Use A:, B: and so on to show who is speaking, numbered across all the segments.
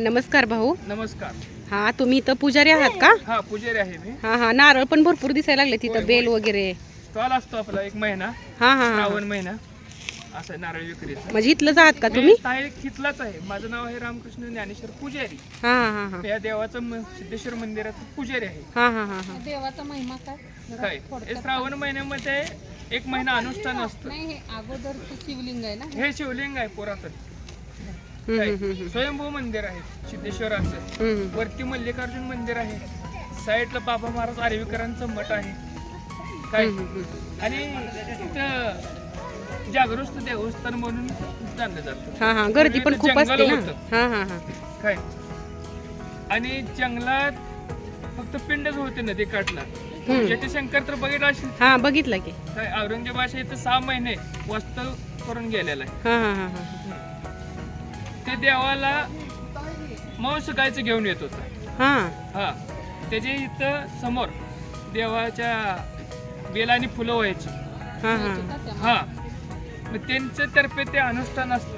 A: नमस्कार भाऊ.
B: नमस्कार.
A: हा तुम्ही इथं पुजारी आहात का?
B: हा पुजारी आहे मी.
A: हा नारळ पण भरपूर दिसायला लागले तिथं, बेल वगैरे.
B: स्टॉल असतो आपला एक महिना,
A: हा
B: श्रावण महिना असं नारळ विक्रीचा.
A: म्हणजे इथलंच आहात का तुम्ही?
B: तिथलाच आहे. माझं नाव आहे रामकृष्ण ज्ञानेश्वर पुजारी.
A: हा
B: या देवाचं सिद्धेश्वर मंदिराचं पुजारी आहे.
A: हा
C: देवाचा महिमा काय?
B: हे श्रावण महिन्यामध्ये एक महिना अनुष्ठान असतं.
C: नाही, हे अगोदरचं शिवलिंग आहे ना.
B: हे शिवलिंग आहे पुरातन. स्वयंभू मंदिर आहे सिद्धेश्वराचं. वरती मल्लिकार्जुन मंदिर आहे. साईडला बाबा महाराज आर्वीकरांचं मठ आहे काय. आणि तिथं जागृत देवस्थान म्हणून जाणलं जातं.
A: हा गर्दी पण खूप असते ना. हा
B: काय. आणि जंगलात फक्त पिंडच होते नदी काठला. जटाशंकर तर बघितलं असेल.
A: हा बघितलं की.
B: काय औरंगजेबाच्या इथं 6 महिने वास्तव करून गेलेला आहे. ते देवाला मांस गायचं घेऊन येत होता. हा त्याच्या इथं समोर देवाच्या बेलानी फुलं व्हायची. हा मग त्यांच्या तर्फे ते अनुष्ठान असतं.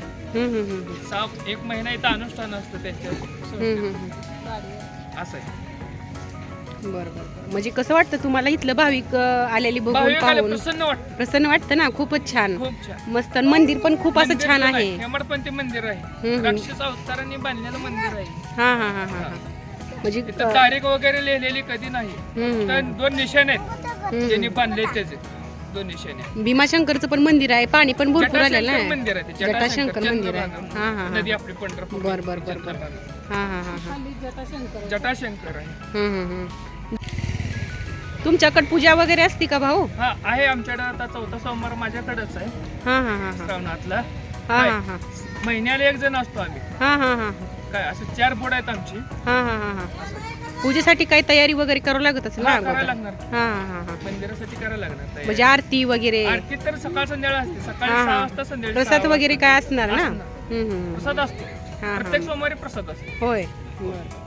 B: 1 महिना इथं अनुष्ठान असतं त्याच्यावर. असं आहे.
A: बरोबर. म्हणजे कसं वाटतं तुम्हाला इथलं भाविक आलेली बघून पाहून? प्रसन्न वाटतं ना. खूपच छान.
B: खूप छान.
A: मस्त. मंदिर पण खूप असं छान आहे.
B: हेमडपंथी मंदिर आहे. राक्षस अवतारांनी बांधलेलं मंदिर आहे.
A: हा म्हणजे
B: तिथं तारीख वगैरे लिहिलेली कधी नाही. तर 2 निशाणे आहेत ज्यांनी बांधले. त्याचे 2 निशाणे.
A: भीमाशंकरचं पण मंदिर आहे. पाणी पण भरपूर आलेलं आहे.
B: मंदिर आहे.
A: जटाशंकर मंदिर आहे.
B: नदी आपली पंढरपूर.
A: बरोबर.
B: जटाशंकर आहे.
A: तुमच्याकडे पूजा वगैरे असते का भाऊ?
B: हा आहे. आमच्याकडे आता 4था सोमवार माझ्याकडेच आहे. श्रावणातला. महिन्याला 1 जण असतो आम्ही. काय असं 4 बोर्ड आहेत आमची.
A: पूजेसाठी काही तयारी वगैरे करावं लागत असेल ना?
B: करायला लागणार. मंदिरासाठी करायला लागणार.
A: म्हणजे आरती वगैरे?
B: आरती तर सकाळ संध्याकाळ असते. सकाळी 6 वाजता, संध्याकाळी
A: प्रसाद वगैरे काय असणार ना?
B: प्रसाद असतो. प्रत्येक सोमवारी प्रसाद असतो.
A: होय.